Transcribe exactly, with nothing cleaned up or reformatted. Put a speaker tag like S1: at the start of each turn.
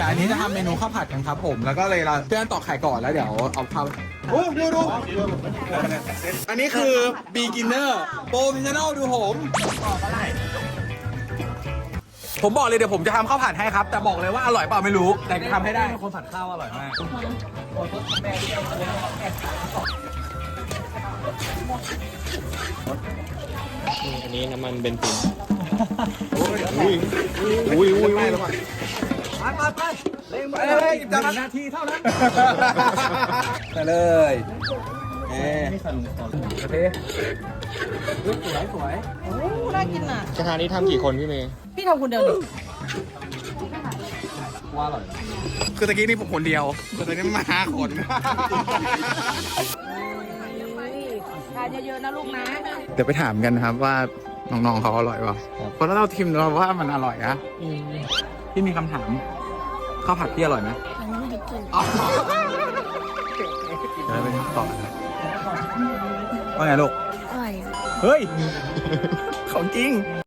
S1: ดี๋ยวอันนี้จะทำเมนูข้าวผัดกันครับผมแล้วก็เลยเราเพื่อนตอกไข่ก่อนแล้วเดี๋ยวเอาข้าวโอ้ดูดูอันนี้คือ beginner professional ดูผมผมบอกเลยเดี๋ยวผมจะทำข้าวผัดให้ครับแต่บอกเลยว่าอร่อยเปล่าไม่รู้แต่จะทำให้ได้คนผัดข้าวอร่อยมาก
S2: อันนี้น้ำมันเบนซิน
S1: อุ้ยอุ้ยอุ้ยไม่แล้ว
S3: ไปไปไปเร่ง
S1: ไป
S3: มือ
S1: เลย
S3: หนึ่งนาทีเท่านั้น
S1: ไปเลยเอ๊ะโอเค
S3: สวยสวย
S4: โอ้น่ากินอ่ะ
S2: กระทะนี้ทำกี่คนพี่เมย์
S4: พี่ทำคนเดียวดิ
S3: ว่าอร่อย
S1: คือตะกี้นี่ผมคนเดียวแต่ตอนนี้มาห้าคน
S4: ทานเยอะๆนะลูกนะ
S1: เดี๋ยวไปถามกันนะครับว่าน้องๆเขาอร่อยป่ะเพราะถ้าเราทิมเราว่ามันอร่อยนะพี่มีคำถามข้าวผัดพี่อร่อยไหมอ๋อเดี๋ยวไปตอบว่าไงลูก
S4: อร่อย
S1: เฮ้ย ของจริง